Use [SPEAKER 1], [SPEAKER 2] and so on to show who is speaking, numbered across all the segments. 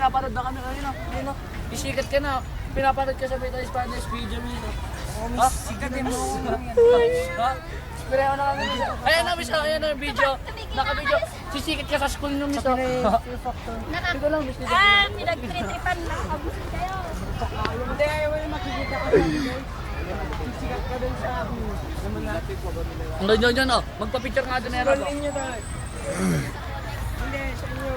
[SPEAKER 1] pinapanood na kami kanina. Ayun, isikat ka na. Pinapanood ka sa Spanish video minsan. Ha? Sikat din mo. Ha? Pareho na kami minsan. Ayan na, miss. Ayan na yung video. Naka-video. Sisikat ka sa school nyo, miss. Ito lang, miss.
[SPEAKER 2] Pinagtritripan lang. Abusin kayo.
[SPEAKER 1] Hindi, ayaw mo yung makikita ka sa video. Sisikat ka dun sa ang ganyan yan, oh. Magpa-picture nga doon na yan. Hindi, sa inyo.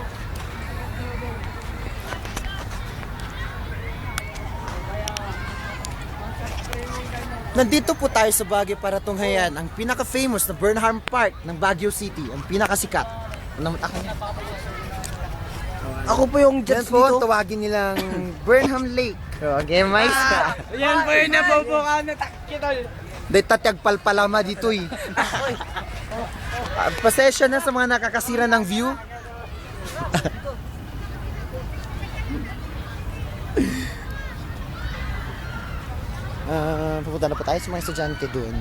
[SPEAKER 3] Nandito po tayo sa Baguio para tunghayan ang pinaka-famous na Burnham Park ng Baguio City, ang pinakasikat. Ako po yung judge dito. Tawagin nilang Burnham Lake. Okay, mais ka.
[SPEAKER 1] Yan po yung nabubuka na takitol.
[SPEAKER 3] Dahil tatyag palpalama dito eh. Pasensya na sa mga nakakasira ng view. Pupunta na po tayo sa mga estudyante doon.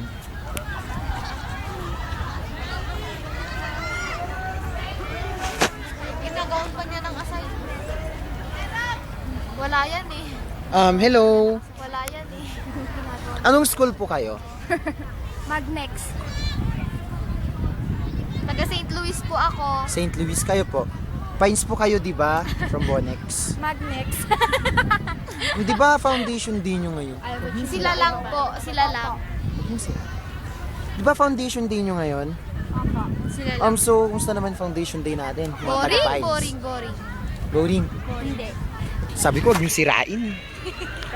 [SPEAKER 2] Ginagawan pa niya ng assignment. Wala yan eh.
[SPEAKER 3] Hello.
[SPEAKER 2] Wala yan eh.
[SPEAKER 3] Anong school po kayo?
[SPEAKER 2] Magnex. Taga St. Louis po ako.
[SPEAKER 3] St. Louis kayo po. Pines po kayo, di ba? From Bonex.
[SPEAKER 2] Magnex.
[SPEAKER 3] Di ba foundation day nyo ngayon?
[SPEAKER 2] Sila lang po. Sila lang.
[SPEAKER 3] Di ba foundation day nyo ngayon?
[SPEAKER 2] Sila lang.
[SPEAKER 3] So, kumusta naman foundation day natin? Mga
[SPEAKER 2] Boring,
[SPEAKER 3] taga-Pines.
[SPEAKER 2] boring, boring.
[SPEAKER 3] Boring.
[SPEAKER 2] Hindi.
[SPEAKER 3] Sabi ko, huwag nyo sirain.